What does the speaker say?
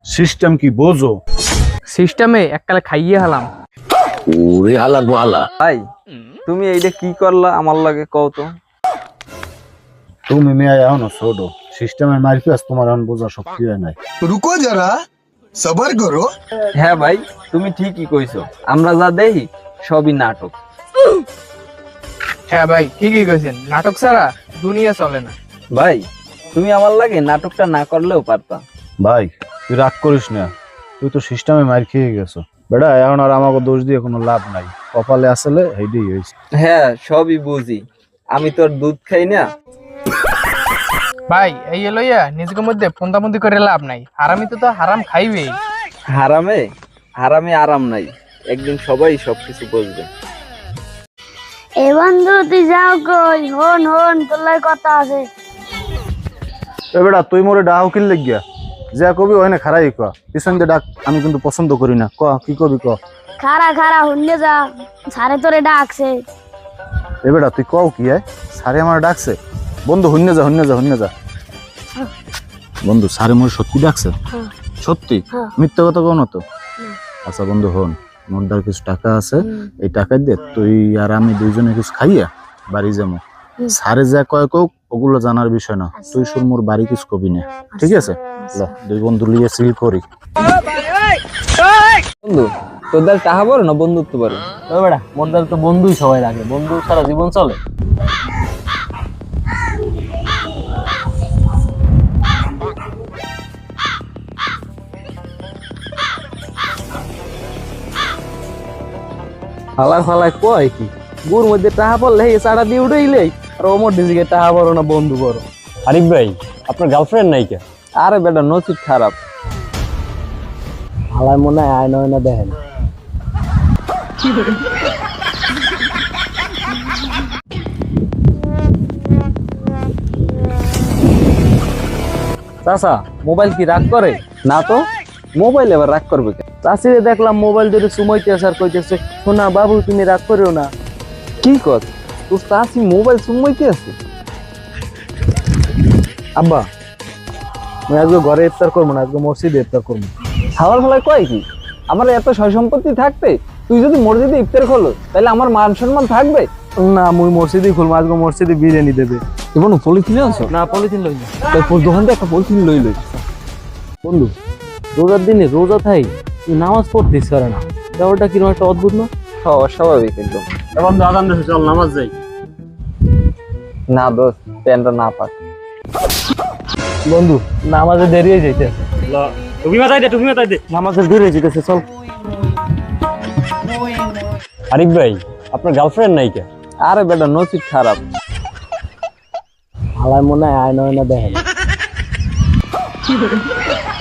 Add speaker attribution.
Speaker 1: System কি বোঝো?
Speaker 2: সিস্টেমে এককালে খাইয়ে হলাম।
Speaker 3: ওরে হালা গোহালা।
Speaker 2: ভাই তুমি এইটা কি করলা আমার লাগে কও তো।
Speaker 1: তুমি মেয়ে এখনো ছোট, সিস্টেমের মারপি আজ তোমার এখন বোঝা শক্তি হয় নাই।
Speaker 4: रुको जरा सबर करो।
Speaker 2: হ্যাঁ ভাই তুমি ঠিকই কইছো, আমরা যা দেখি সবই নাটক।
Speaker 5: হ্যাঁ ভাই ঠিকই কইছেন, নাটক ছাড়া দুনিয়া চলে না।
Speaker 2: ভাই তুমি আমার লাগে নাটকটা না করলেও পারতা।
Speaker 1: ভাই তুই রাগ করিস না, তুই তো সিস্টেমে মার খেয়ে গেছো বেটা, এখন আর আমাকে দোষ দিয়ে কোনো লাভ নাই, কপালে আসলে হেডি হয়েছে।
Speaker 2: হ্যাঁ সবই বুঝি, আমি তোর দুধ খাই না।
Speaker 5: ভাই এই লইয়া নিজের মধ্যে ফন্দাফন্দি করে লাভ নাই, হারামি তো হারাম খাইবেই।
Speaker 2: হারামে হারামে আরাম নাই, একদিন সবাই সবকিছু বুঝবে।
Speaker 6: এ বন্ধু তুই যাও কই, হন হন তোর লাগে কথা আছে।
Speaker 1: এ বেটা তুই মোরে ডাহ কিল লাগিয়া যা কবি ওখানে খারাই ক, পিছন দিয়ে ডাক, আমি কিন্তু পছন্দ করি না। ক কি কবি ক।
Speaker 6: খারা খারা হুন্নে যা, সারে তোরে ডাকছে।
Speaker 1: এ বেটা তুই কও কি হয়, সারে আমার ডাকছে? বন্ধু হুন্নে যা হুন্নে যা হুন্নে যা। বন্ধু সারে মোরে সত্যি ডাকছে? সত্যি? মিথ্যা কথা কও না তো? আচ্ছা বন্ধু হন, মোর দ্বার কিছু টাকা আছে, এই টাকা দিয়ে তুই আর আমি দুইজনে কিছু খাইয়া বাড়ি যাবো। সারে যা কয় কোক ওগুলো জানার বিষয় না, তুই শুন মোর বাড়ি কিছু কবি না, ঠিক আছে? ল দুই বন্ধু লিয়ে সিল করি।
Speaker 2: বন্ধু তোদের টাকা বড় না বন্ধুত্ব বড়? বেড়া মোর তো বন্ধুই সবাই রাখে, বন্ধু সারা জীবন চলে। ফালাই ফালাই কয় কি, গুর মধ্যে টাকা পড়লে চাটা দিয়ে উঠেইলে আর ওমর ডিজিকে টাকা বড় না বন্ধু বড়?
Speaker 3: আরিফ ভাই আপনার গার্লফ্রেন্ড নাই কে?
Speaker 2: আরে বেটা নসিব খারাপ।
Speaker 3: হালাই মনে হয় আয় নয় না দেখেন।
Speaker 2: চাচা মোবাইল কি রাগ করে? না তো, মোবাইল এবার রাগ করবে কেন? চাষিরে দেখলাম মোবাইল ধরে সুমাইতেছে আর কইতেছে শোনা বাবু তুমি রাগ করিও না। কি কর তোর চাষি মোবাইল সুমাইতে আছে?
Speaker 1: আব্বা আমি আজকে ঘরে ইফতার করবো না, আজকে মসজিদে ইফতার করবো।
Speaker 2: হাওয়ার ফলায় কয় কি, আমার এত সয় সম্পত্তি থাকতে তুই যদি মসজিদে ইফতার করলো তাহলে আমার মান সম্মান থাকবে
Speaker 1: না মুই মসজিদে খুলবো, আজকে মসজিদে বিরিয়ানি দেবে।
Speaker 2: এবং পলিথিনে আছো? না পলিথিন লই না, তোর দোকান থেকে একটা পলিথিন লই। বন্ধু রোজার দিনে রোজা থাই তুই নামাজ পড়তিস করে না, ব্যাপারটা কিরকম একটা অদ্ভুত না? অস্বাভাবিক একদম।
Speaker 1: বন্ধু আদান দেশে চল নামাজ যাই।
Speaker 2: না দোস্ত প্যান্টটা না পাক।
Speaker 1: বন্ধু নামাজে দেরি হয়ে যাইতে,
Speaker 3: তুমি মাথায় দে।
Speaker 1: নামাজে দেরি হয়ে যাইতেছে, চল।
Speaker 3: আরিফ ভাই আপনার গার্লফ্রেন্ড নাই কে?
Speaker 2: আরে বেটা নসিব খারাপ।
Speaker 3: হালাই মনে হয় আয় নয় না দেখেন।